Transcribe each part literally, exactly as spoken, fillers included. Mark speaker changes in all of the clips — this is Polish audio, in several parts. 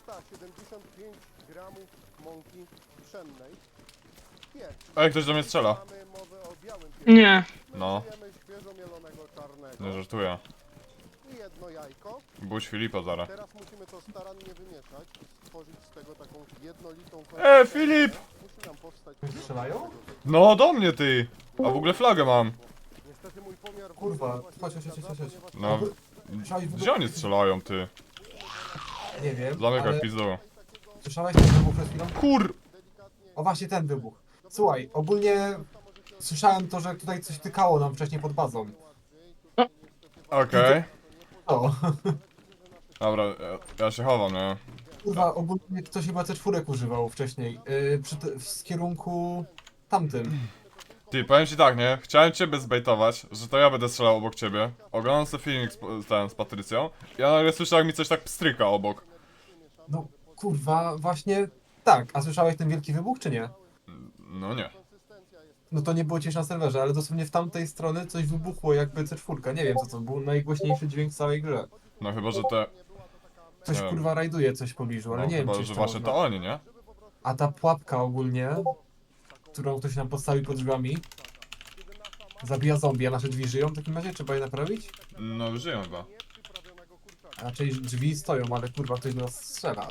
Speaker 1: trzysta siedemdziesiąt pięć gramów mąki pszennej. Pieprz.
Speaker 2: Ej, ktoś do mnie strzela.
Speaker 1: Mamy mowę o białym pieprzu.
Speaker 3: Nie.
Speaker 1: My
Speaker 2: No.
Speaker 1: użyjemy świeżo mielonego czarnego.
Speaker 2: Nie żartuję.
Speaker 1: I jedno jajko.
Speaker 2: Buź Filipa zaraz.
Speaker 1: Teraz musimy to starannie wymieszać, stworzyć z tego taką jednolitą
Speaker 2: E,
Speaker 1: konsystencję.
Speaker 2: Filip!
Speaker 1: Musi nam powstać...
Speaker 4: Strzelają?
Speaker 2: No do mnie ty! A w ogóle flagę mam.
Speaker 1: Niestety mój pomiar...
Speaker 4: Kurwa, chodź, chodź, chodź, chodź, chodź.
Speaker 2: No,
Speaker 4: Słyszałeś w
Speaker 2: gdzie oni strzelają ty?
Speaker 4: Nie wiem,
Speaker 2: Zamykaj
Speaker 4: ale
Speaker 2: pizdu.
Speaker 4: słyszałeś ten wybuch przed chwilą?
Speaker 2: Kur...
Speaker 4: O właśnie ten wybuch. Słuchaj, ogólnie słyszałem to, że tutaj coś tykało nam wcześniej pod bazą.
Speaker 2: Okej.
Speaker 4: O,
Speaker 2: Dobra, ja, ja się chowam, nie?
Speaker 4: kurwa, ogólnie ktoś chyba C cztery używał wcześniej. Yy, przy te, w kierunku tamtym.
Speaker 2: Ty, powiem ci tak, nie? Chciałem ciebie zbejtować, że to ja będę strzelał obok ciebie. Oglądam sobie filmik z, z, ten, z Patrycją. Ja nagle słyszę, jak mi coś tak pstryka obok.
Speaker 4: No kurwa, właśnie tak. A słyszałeś ten wielki wybuch, czy nie?
Speaker 2: No nie.
Speaker 4: No to nie było cię na serwerze, ale dosłownie w tamtej strony coś wybuchło jakby C cztery. Nie wiem co to był najgłośniejszy dźwięk w całej grze.
Speaker 2: No chyba, że te...
Speaker 4: Coś
Speaker 2: Nie wiem.
Speaker 4: kurwa rajduje coś w pobliżu, ale
Speaker 2: No
Speaker 4: nie wiem
Speaker 2: chyba,
Speaker 4: czy
Speaker 2: że
Speaker 4: jeszcze
Speaker 2: właśnie
Speaker 4: można.
Speaker 2: to oni, nie?
Speaker 4: A ta pułapka ogólnie, którą ktoś nam postawił pod drzwiami, zabija zombie, a nasze drzwi żyją w takim razie? Trzeba je naprawić?
Speaker 2: No żyją chyba.
Speaker 4: A raczej drzwi stoją, ale kurwa ktoś do nas strzela.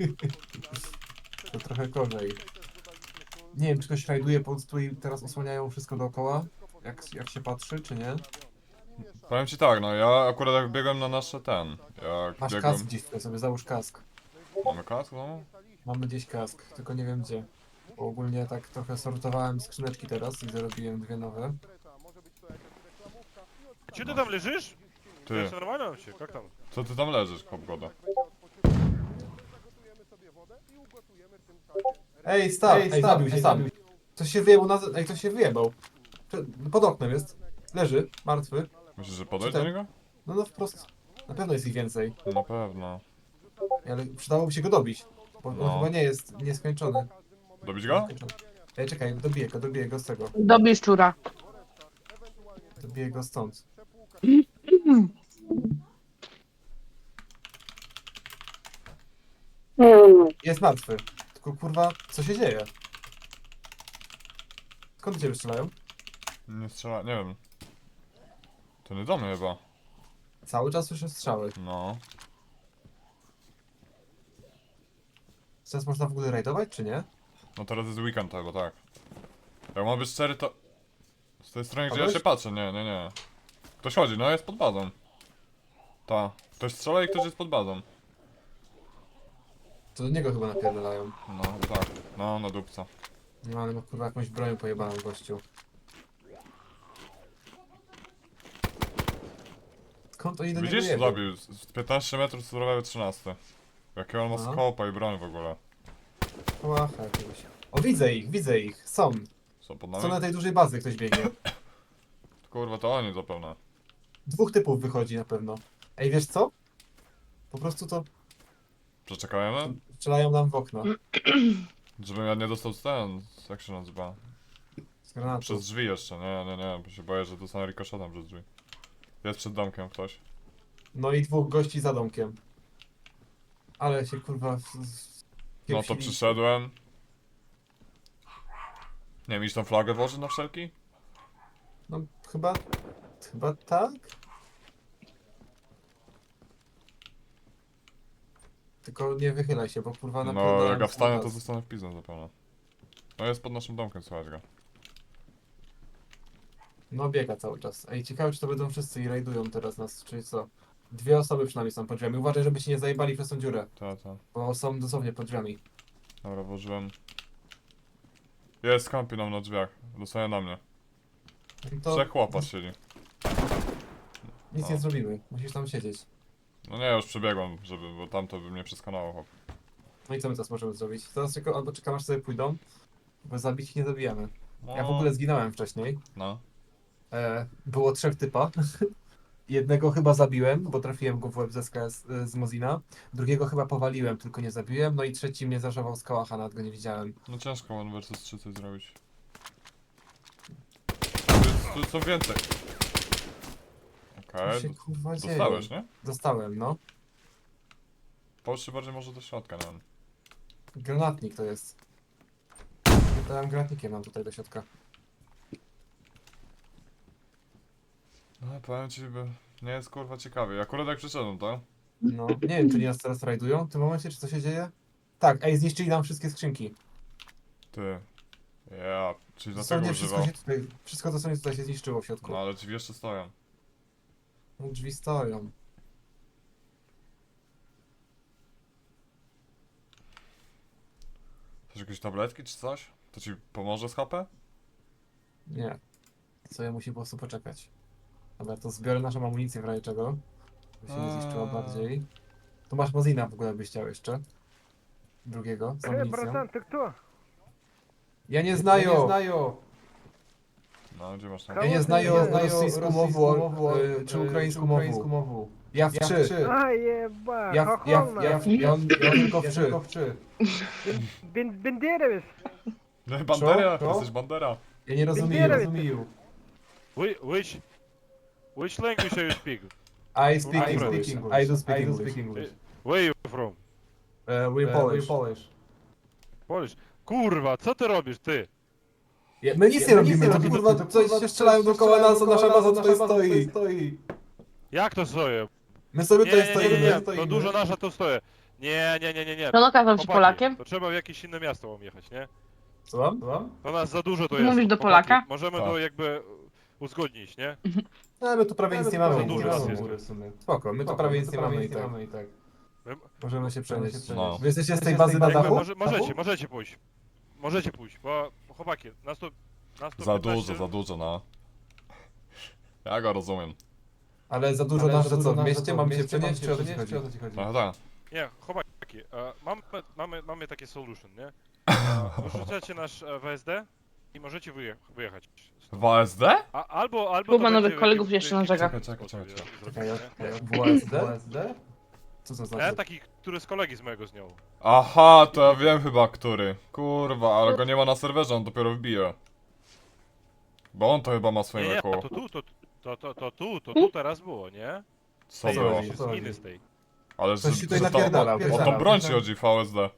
Speaker 4: To trochę gorzej. Nie wiem, czy ktoś rajduje, po prostu i teraz osłaniają wszystko dookoła, jak, jak się patrzy, czy nie.
Speaker 2: Powiem ci tak, no ja akurat jak biegłem na nasze ten... Jak
Speaker 4: Masz
Speaker 2: biegłem...
Speaker 4: kask gdzieś, tutaj sobie załóż kask.
Speaker 2: Mamy kask, no?
Speaker 4: Mamy gdzieś kask, tylko nie wiem gdzie. Bo ogólnie tak trochę sortowałem skrzyneczki teraz i zarobiłem dwie nowe.
Speaker 5: Че ты там лежишь?
Speaker 2: Ty,
Speaker 5: Все нормально вообще? Как там?
Speaker 2: co ty tam leżysz, Hopgoda?
Speaker 4: Ej, stop! Ej, ej zabił się sam. Ktoś się wyjebał na... Ej, ktoś się wyjebał. Przed- Pod oknem jest. Leży, martwy.
Speaker 2: Myślisz, że podejść
Speaker 4: Czy
Speaker 2: do
Speaker 4: ten-
Speaker 2: niego?
Speaker 4: No no wprost. Na pewno jest ich więcej.
Speaker 2: Na pewno.
Speaker 4: Ale przydałoby się go dobić. Bo on
Speaker 2: No.
Speaker 4: chyba nie jest nieskończony.
Speaker 2: Dobić go?
Speaker 4: Nieskończony. Ej, czekaj, dobiję go, dobiję go z tego.
Speaker 3: Dobij szczura.
Speaker 4: Dobiję go stąd. Jest martwy. Tylko kurwa, co się dzieje? Skąd do ciebie strzelają?
Speaker 2: Nie strzela, nie wiem. To nie do mnie chyba.
Speaker 4: Cały czas słyszę strzały.
Speaker 2: No.
Speaker 4: Teraz można w ogóle rajdować, czy nie?
Speaker 2: No teraz jest weekend chyba, tak. Jak ma być szczery, to... Z tej strony, gdzie ja
Speaker 4: Kogoś?
Speaker 2: się patrzę, nie, nie, nie. Ktoś chodzi, no jest pod bazą. Ta. Ktoś strzela i ktoś jest pod bazą.
Speaker 4: To do niego chyba napierdalają.
Speaker 2: No, chyba tak. No, na dupca.
Speaker 4: Nie mamy no kurwa jakąś broń pojebaną gościu. Skąd oni do niego
Speaker 2: Widzisz?
Speaker 4: jedą?
Speaker 2: Zabił. Z z piętnaście metrów surowego trzynaście. Jakie on ma
Speaker 4: Aha.
Speaker 2: skopa i broń w ogóle.
Speaker 4: Łacha jakiegoś. O, widzę ich, widzę ich. Są.
Speaker 2: Co pod
Speaker 4: Są
Speaker 2: nami?
Speaker 4: na tej dużej bazy, ktoś biegnie.
Speaker 2: Kurwa, to oni zapewne.
Speaker 4: Dwóch typów wychodzi na pewno. Ej, wiesz co? Po prostu to
Speaker 2: Przeczekajemy?
Speaker 4: strzelają nam w okno.
Speaker 2: Żebym ja nie dostał ten, jak się nazywa?
Speaker 4: Z granatu.
Speaker 2: Przez drzwi jeszcze, nie, nie, nie, bo się boję, że dostanę rikoszetem przez drzwi. Jest przed domkiem ktoś.
Speaker 4: No i dwóch gości za domkiem. Ale się kurwa... w- w-
Speaker 2: No to
Speaker 4: kiepsili.
Speaker 2: przyszedłem. Nie wiem, iść tą flagę włożyć na wszelki?
Speaker 4: No chyba... Chyba tak? Tylko nie wychylaj się, bo kurwa
Speaker 2: No,
Speaker 4: napierdalają
Speaker 2: jak ja
Speaker 4: cały
Speaker 2: wstanę, to
Speaker 4: czas.
Speaker 2: zostanę w pizdę zapewne. No jest pod naszym domkiem, słuchaj go.
Speaker 4: No biega cały czas. Ej, ciekawe czy to będą wszyscy i rajdują teraz nas, czy co? Dwie osoby przynajmniej są pod drzwiami. Uważaj, żeby się nie zajebali przez tą dziurę,
Speaker 2: Ta, ta.
Speaker 4: bo są dosłownie pod drzwiami.
Speaker 2: Dobra, włożyłem. Jest, kampi nam na drzwiach. Dostaje na mnie.
Speaker 4: No to
Speaker 2: Trzech chłopa siedzi.
Speaker 4: nic
Speaker 2: no.
Speaker 4: nie zrobimy, musisz tam siedzieć.
Speaker 2: No nie, już przebiegłem, żeby, bo tamto by mnie przeskanowało, chłop.
Speaker 4: No i co my teraz możemy zrobić? Teraz tylko albo czekamy aż sobie pójdą, bo zabić ich nie zabijamy.
Speaker 2: No,
Speaker 4: Ja w ogóle zginąłem wcześniej.
Speaker 2: No.
Speaker 4: E, było trzech typa. Jednego chyba zabiłem, bo trafiłem go w łeb ze ska- z, z Mozina. Drugiego chyba powaliłem, tylko nie zabiłem. No i trzeci mnie zaszował z kałacha, nawet go nie widziałem.
Speaker 2: No ciężko one versus trzy coś zrobić. Tu, jest, tu są więcej.
Speaker 4: Co
Speaker 2: Okej,
Speaker 4: się
Speaker 2: okay.
Speaker 4: kurwa dzieje?
Speaker 2: Dostałeś, nie?
Speaker 4: Dostałem, no.
Speaker 2: Poszli bardziej może do środka, nie wiem.
Speaker 4: Granatnik to jest. To ja mam granatnikiem mam tutaj do środka.
Speaker 2: No powiem ci, by nie jest kurwa ciekawie. Akurat jak przyszedłem, to?
Speaker 4: No, nie wiem, czy nie nas teraz rajdują w tym momencie, czy co się dzieje? Tak, ej, zniszczyli nam wszystkie skrzynki.
Speaker 2: Ty. Ja, czyli dlatego
Speaker 4: Dosłownie wszystko
Speaker 2: używał.
Speaker 4: się tutaj, wszystko dosłownie tutaj się zniszczyło w środku.
Speaker 2: No ale drzwi jeszcze stoją.
Speaker 4: No, drzwi stoją.
Speaker 2: Chcesz jakieś tabletki czy coś? To ci pomoże z H P?
Speaker 4: Nie. Co ja musi po prostu poczekać. Dobra, to zbiorę naszą amunicję w razie czego. By się nie zniszczyła
Speaker 2: Eee.
Speaker 4: bardziej. Tu masz Mozina w ogóle byś chciał jeszcze. Drugiego z
Speaker 3: Э,
Speaker 4: amunicją.
Speaker 3: братан, ты кто?
Speaker 4: Ja nie znaję! znają!
Speaker 2: No, gdzie masz tam?
Speaker 4: Ja nie
Speaker 3: Kałasy
Speaker 4: znaję
Speaker 3: nie znają
Speaker 4: rosyjską mową, e, czy ukraińską mową. Ja w trzy.
Speaker 3: А, еба,
Speaker 4: Ja, w- ja, w-
Speaker 3: хохолна.
Speaker 4: ja, w- ja, ja tylko w trzy.
Speaker 3: Бен- Бендеровец.
Speaker 2: No, Bandera!
Speaker 4: Co?
Speaker 2: Jesteś Bandera!
Speaker 4: Ja nie rozumiem.
Speaker 3: Wybieraj.
Speaker 4: rozumiem.
Speaker 5: Whi- Which... Which language are you speak?
Speaker 4: I speak
Speaker 5: I
Speaker 4: English.
Speaker 5: speak
Speaker 4: I do speak English.
Speaker 5: Where you from?
Speaker 4: Uh, we're Polish.
Speaker 5: Polish? Kurwa, co ty robisz, ty?
Speaker 4: Ja, my nic nie robimy, to kurwa coś się strzelają dookoła nas, a nasza baza tutaj stoi.
Speaker 5: Jak to stoję?
Speaker 4: My sobie
Speaker 5: Nie,
Speaker 4: tutaj
Speaker 5: nie, nie, nie, nie,
Speaker 4: stoimy.
Speaker 5: to dużo nasza to stoję. Nie, nie, nie, nie, nie.
Speaker 6: No okazał ci
Speaker 5: Chłopaki,
Speaker 6: Polakiem?
Speaker 5: To trzeba w jakieś inne miasto mam jechać, nie?
Speaker 4: Słucham? Słucham?
Speaker 5: To nas za dużo to
Speaker 6: Ty
Speaker 5: jest.
Speaker 6: mówisz do
Speaker 5: chłopaki.
Speaker 6: Polaka?
Speaker 5: Możemy
Speaker 2: Tak.
Speaker 5: to jakby uzgodnić, nie?
Speaker 4: No, my tu prawie nic nie mamy.
Speaker 5: za
Speaker 4: i
Speaker 5: dużo
Speaker 4: tak.
Speaker 5: nas jest.
Speaker 4: w sumie. Spoko, my tu prawie nic nie mamy i tak.
Speaker 5: My-
Speaker 4: Możemy się przenieść.
Speaker 2: No.
Speaker 4: Wy jesteście z tej bazy na
Speaker 5: Jakby
Speaker 4: dachu?
Speaker 5: może, możecie, możecie pójść. Możecie pójść, bo chłopaki, nas to... Nas to
Speaker 2: Za
Speaker 5: piętnaście
Speaker 2: dużo, za dużo, no. Ja go rozumiem.
Speaker 4: Ale za dużo nas, że co, w mieście mamy się przenieść, czy o co ci chodzi?
Speaker 2: No tak.
Speaker 5: Nie, chłopaki, e, mamy, mamy, mamy takie solution, nie? E, Wyrzucacie nasz e, W S D i możecie wyje wyjechać.
Speaker 2: W A S D?
Speaker 5: A, albo, albo
Speaker 6: Kuba
Speaker 5: to
Speaker 6: nowych
Speaker 5: będzie w
Speaker 6: kolegów
Speaker 5: jakim-
Speaker 6: jeszcze na
Speaker 5: w jakim
Speaker 6: brzegach.
Speaker 2: Czekaj, czekaj,
Speaker 5: sposobie
Speaker 2: czekaj.
Speaker 5: zrobić, nie?
Speaker 4: W S D? Co to
Speaker 5: E,
Speaker 4: znaczy?
Speaker 5: taki, który z kolegi z mojego zniął.
Speaker 2: Aha, to ja wiem chyba który. Kurwa, ale go nie ma na serwerze, on dopiero wbije. Bo on to chyba ma
Speaker 5: Nie,
Speaker 2: swoim
Speaker 5: nie,
Speaker 2: wieku.
Speaker 5: to tu, to, to, to, to tu, to tu teraz było, nie?
Speaker 2: Co
Speaker 5: Tej
Speaker 2: było?
Speaker 5: właśnie,
Speaker 4: Co
Speaker 5: z
Speaker 4: chodzi?
Speaker 5: miny z tej.
Speaker 2: Ale że,
Speaker 4: Coś się tutaj
Speaker 2: że to,
Speaker 4: napierdala,
Speaker 2: o tą
Speaker 4: napierdala.
Speaker 2: broń ci chodzi w V S D.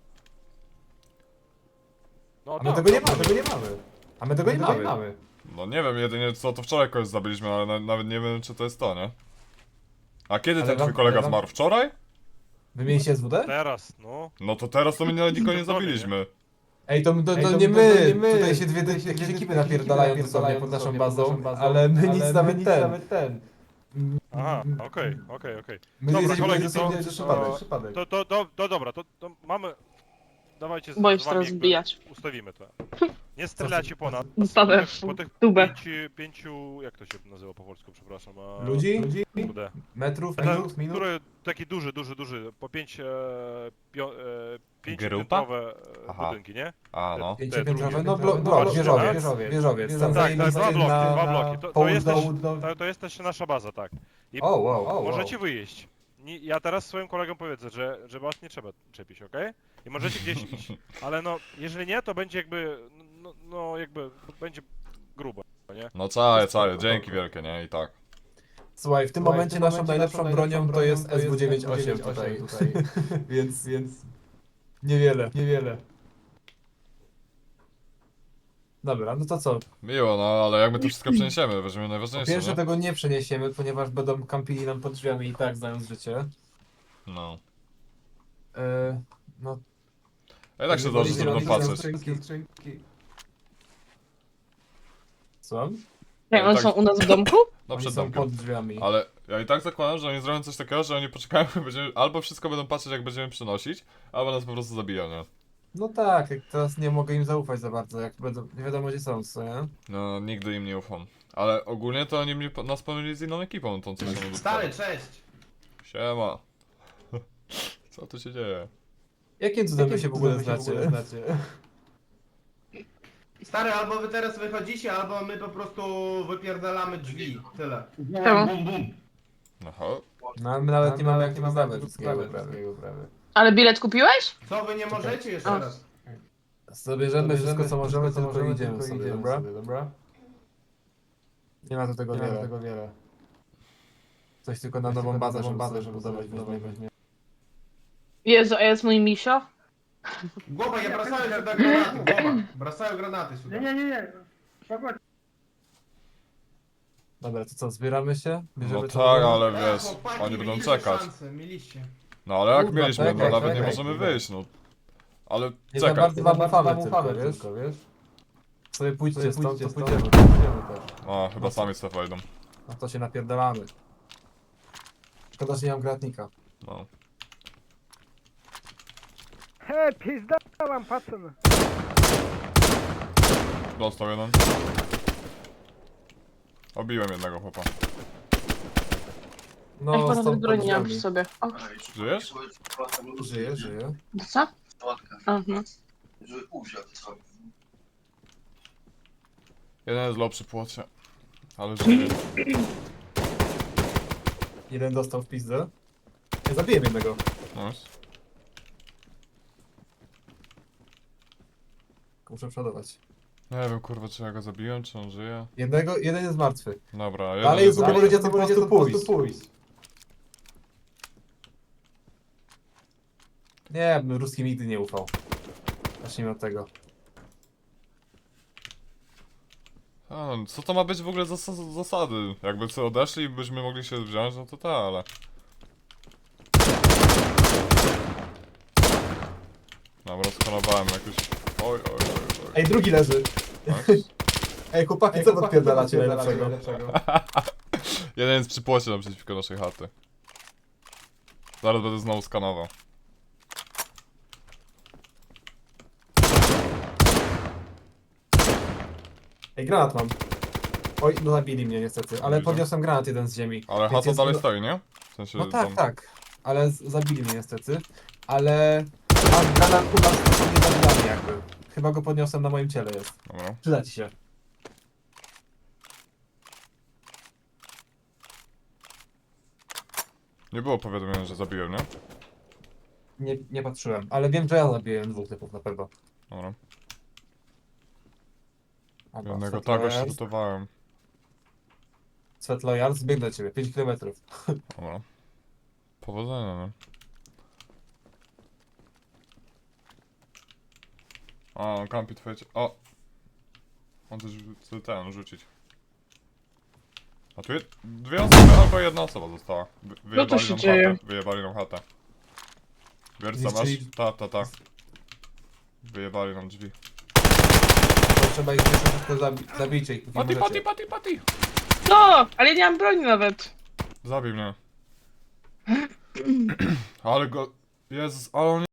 Speaker 5: No
Speaker 4: A my
Speaker 5: tak,
Speaker 4: tego nie
Speaker 5: no,
Speaker 4: mamy, tego nie mamy. A my tego nie mamy.
Speaker 2: No nie wiem, jedynie co to wczoraj kogoś zabiliśmy, ale na, nawet nie wiem czy to jest to, nie? A kiedy
Speaker 4: Ale
Speaker 2: ten
Speaker 4: wam-
Speaker 2: twój kolega
Speaker 4: ale wam-
Speaker 2: zmarł? Wczoraj?
Speaker 4: Wymieniliście S W D?
Speaker 5: Teraz, no.
Speaker 2: No to teraz to my nie, nikogo nie
Speaker 5: To zrobię,
Speaker 2: zabiliśmy.
Speaker 4: Ej, to, to, to, nie my. Tutaj się dwie jakieś ekipy napierdalają dosłownie pod naszą bazą, ale my nic nawet ten.
Speaker 5: Aha, okej, okej, okej.
Speaker 4: My
Speaker 5: Dobra,
Speaker 4: jesteśmy
Speaker 5: kolegi,
Speaker 4: dosłownie
Speaker 5: to-
Speaker 4: że
Speaker 5: to-
Speaker 4: przypadek.
Speaker 5: To, to, to, to dobra, to, to mamy... Dawajcie z,
Speaker 6: Boisz
Speaker 5: z wami
Speaker 6: teraz
Speaker 5: jakby
Speaker 6: wbijać.
Speaker 5: ustawimy to. Nie strzelacie po nas.
Speaker 6: Dostawę
Speaker 5: Po tych- Po tych
Speaker 6: tubę.
Speaker 5: pięciu, pięciu, jak to się nazywa po polsku, przepraszam. A,
Speaker 4: Ludzi?
Speaker 5: Kurde.
Speaker 4: Metrów,
Speaker 5: Ten,
Speaker 4: minut, minut?
Speaker 5: który taki duży, duży, duży, po pięć, e, pio, e,
Speaker 2: Grupa?
Speaker 5: pięciopiętrowe e,
Speaker 2: Aha.
Speaker 5: budynki, nie?
Speaker 2: A no.
Speaker 4: Pięciopiętrowe,
Speaker 5: drugie.
Speaker 4: no blok,
Speaker 5: No,
Speaker 4: blok,
Speaker 5: blok,
Speaker 4: wieżowiec,
Speaker 5: wieżowiec.
Speaker 4: wieżowiec. Tam
Speaker 5: Tak, tak, dwa
Speaker 4: zajęli
Speaker 5: bloki,
Speaker 4: na-
Speaker 5: dwa
Speaker 4: na
Speaker 5: bloki. To, to,
Speaker 4: południe
Speaker 5: jest też,
Speaker 4: do- do-
Speaker 5: to, to jest też nasza baza, tak. I
Speaker 4: O, wow, o,
Speaker 5: możecie
Speaker 4: wow.
Speaker 5: wyjeść. Nie, ja teraz swoim kolegom powiedzę, że, że was nie trzeba czepić, okej? I możecie gdzieś iść. Ale no, jeżeli nie, to będzie jakby, no, no jakby, będzie grubo, nie?
Speaker 2: No czaję, czaję, dzięki wielkie, nie? I tak.
Speaker 4: Słuchaj, w tym
Speaker 7: Słuchaj,
Speaker 4: momencie
Speaker 7: w tym
Speaker 4: naszą
Speaker 7: momencie
Speaker 4: najlepszą
Speaker 7: naszą
Speaker 4: bronią
Speaker 7: najlepszą
Speaker 4: to jest
Speaker 7: bronią to
Speaker 4: S W dziewięć osiem
Speaker 7: jest
Speaker 4: tutaj.
Speaker 7: tutaj.
Speaker 4: Więc, więc niewiele, niewiele. Dobra, no to co?
Speaker 2: Miło, no ale jak my to wszystko przeniesiemy, weźmiemy
Speaker 4: Po
Speaker 2: najważniejsze,
Speaker 4: pierwsze
Speaker 2: nie?
Speaker 4: tego nie przeniesiemy, ponieważ będą kampili nam pod drzwiami i tak, znając życie.
Speaker 2: No.
Speaker 4: Yy, no,
Speaker 2: A i tak się dobrze, że będą patrzeć.
Speaker 4: Skrzynki, skrzynki. Co?
Speaker 6: Jak one
Speaker 2: tak-
Speaker 6: są u nas w domku?
Speaker 2: No
Speaker 4: Oni
Speaker 2: przed
Speaker 4: są
Speaker 2: domkiem.
Speaker 4: pod drzwiami.
Speaker 2: Ale ja i tak zakładam, że oni zrobią coś takiego, że oni poczekają, będziemy, albo wszystko będą patrzeć jak będziemy przynosić, albo nas po prostu zabiją, nie?
Speaker 4: No tak, jak teraz nie mogę im zaufać za bardzo, jak będą, nie wiadomo gdzie są, co nie?
Speaker 2: No, nigdy im nie ufam. Ale ogólnie to oni mnie, nas pomylili z inną ekipą, tą co się
Speaker 7: Stary, cześć!
Speaker 2: Siema. Co tu się dzieje?
Speaker 4: Jakim cudem wy
Speaker 7: Jakim
Speaker 4: się w ogóle
Speaker 7: cudem wy się w
Speaker 4: znacie?
Speaker 7: ogóle Stary, albo wy teraz wychodzicie, albo my po prostu wypierdalamy drzwi. Tyle.
Speaker 6: Czemu?
Speaker 7: Bum, bum.
Speaker 2: Aha.
Speaker 4: No ale my nawet nie mamy jak
Speaker 7: nie
Speaker 4: nie
Speaker 7: mamy
Speaker 4: mamy
Speaker 7: wszystkiego
Speaker 4: wszystkiego
Speaker 7: prawie.
Speaker 4: prawie.
Speaker 6: Ale bilet kupiłeś?
Speaker 7: Co wy nie możecie jeszcze
Speaker 6: O.
Speaker 7: raz?
Speaker 4: Zabierzemy wszystko co możemy,
Speaker 7: wszystko, co
Speaker 4: tylko
Speaker 7: możemy,
Speaker 4: idziemy
Speaker 7: tylko
Speaker 4: sobie,
Speaker 7: idziemy
Speaker 4: dobra?
Speaker 7: sobie, dobra?
Speaker 4: Nie ma tu tego
Speaker 7: Nie ma
Speaker 4: wiele.
Speaker 7: tego wiele.
Speaker 4: Coś tylko na
Speaker 7: Coś
Speaker 4: nową
Speaker 7: tylko
Speaker 4: bazę,
Speaker 7: nową
Speaker 4: żeby
Speaker 7: bazę,
Speaker 4: bazę
Speaker 7: żeby
Speaker 4: budować,
Speaker 7: budować,
Speaker 4: weźmiemy.
Speaker 6: Jezu, a jest mój misio?
Speaker 7: Гоба, я бросаю сюда гранаты, Гоба. Бросаю гранаты сюда.
Speaker 3: Nie-nie-nie, spokojnie.
Speaker 4: Dobra, to co, zbieramy się? Bierzemy
Speaker 2: No
Speaker 4: co
Speaker 2: tak,
Speaker 4: robimy?
Speaker 2: ale
Speaker 7: Да,
Speaker 2: wiesz,
Speaker 7: chłopaki,
Speaker 2: oni będą
Speaker 7: mieliście
Speaker 2: czekać.
Speaker 7: szansę, mieliście.
Speaker 2: No ale jak
Speaker 4: Kurwa,
Speaker 2: mieliśmy, no
Speaker 4: czekaj,
Speaker 2: nawet nie
Speaker 4: czekaj,
Speaker 2: możemy
Speaker 4: kurwa.
Speaker 2: wyjść, no. Ale
Speaker 4: Nie za
Speaker 2: czekaj.
Speaker 4: bardzo wam ufamy tylko, wiesz? wiesz? Sobie pójdźcie stąd, to pójdziemy, to pójdziemy też.
Speaker 2: A, chyba sami sobie wejdą.
Speaker 4: No to się napierdalamy. Szkoda, że nie mam gratnika.
Speaker 2: No.
Speaker 3: He, pizda wam, pacen.
Speaker 2: Dostał jeden. Obiłem jednego chłopa.
Speaker 4: No,
Speaker 6: Ja chyba
Speaker 4: stąd
Speaker 6: nawet broni nie mam przy
Speaker 4: podjeżdżamy.
Speaker 6: sobie. O,
Speaker 2: Żyjesz?
Speaker 4: Żyje, żyje.
Speaker 6: to co? Aha.
Speaker 2: Jeden jest low przy płocie. Ale żyje.
Speaker 4: Jeden dostał w pizdę. Ja zabiłem jednego.
Speaker 2: Nice.
Speaker 4: Muszę przodować.
Speaker 2: Nie wiem kurwa, czy ja go zabiłem, czy on żyje.
Speaker 4: Jednego, jeden jest martwy.
Speaker 2: Dobra, jeden
Speaker 4: Dalej jest
Speaker 2: jest...
Speaker 4: zupełnie gdzie to po prostu pójść. pójść. Nie, bym ruskim nigdy nie ufał. Zacznijmy od tego.
Speaker 2: A, no, co to ma być w ogóle za za- zasady? Jakby co odeszli i byśmy mogli się wziąć, no to tak, ale... Dobra, skanowałem jakoś... Oj, oj, oj, oj.
Speaker 4: Ej, drugi leży.
Speaker 2: Nice.
Speaker 4: Ej, chłopaki,
Speaker 8: Ej,
Speaker 4: co
Speaker 8: chłopaki,
Speaker 4: podpierdalacie
Speaker 8: co
Speaker 4: najlepszego?
Speaker 8: najlepszego?
Speaker 2: Jeden jest przy płocie naprzeciwko naszej chaty. Zaraz będę znowu skanował.
Speaker 4: Ej, granat mam. Oj, no zabili mnie niestety, ale
Speaker 2: Widzę.
Speaker 4: podniosłem granat jeden z ziemi.
Speaker 2: Ale
Speaker 4: Więc
Speaker 2: chata
Speaker 4: jest-
Speaker 2: dalej stoi, nie? W sensie
Speaker 4: No tak,
Speaker 2: tam...
Speaker 4: tak. Ale z- zabili mnie niestety. Ale mam granat u nas, to nie zabijamy jakby. Chyba go podniosłem, na moim ciele jest.
Speaker 2: Dobra.
Speaker 4: Przyda ci się.
Speaker 2: Nie było powiadomienia, że zabiłem, nie?
Speaker 4: Nie, nie patrzyłem, ale wiem, że ja zabiłem dwóch typów na pewno.
Speaker 2: Dobra.
Speaker 4: Dobra,
Speaker 2: Jednego
Speaker 4: Sweat
Speaker 2: tak
Speaker 4: Loyals-
Speaker 2: ośrutowałem.
Speaker 4: Sweat Loyals, zbieg do ciebie, pięć kilometrów.
Speaker 2: Dobra. Powodzenia, no. A, on kampi twoje... cie- O! On też chce ten rzucić. A tu jest dwie osoby, albo jedna osoba została. Wy- Wyjebali
Speaker 6: No się
Speaker 2: nam
Speaker 6: dzieje?
Speaker 2: chatę. Wyjebali nam chatę. Wierca masz?
Speaker 4: Zniszczyli-
Speaker 2: Ta, ta, ta. Wyjebali nam drzwi.
Speaker 4: To trzeba ich jeszcze szybko zabi zabijcie ich. póki
Speaker 2: Pati,
Speaker 4: możecie.
Speaker 2: pati, pati, pati!
Speaker 6: No, ale ja nie mam broni nawet.
Speaker 2: Zabij mnie. Ale go... Jezus, ale on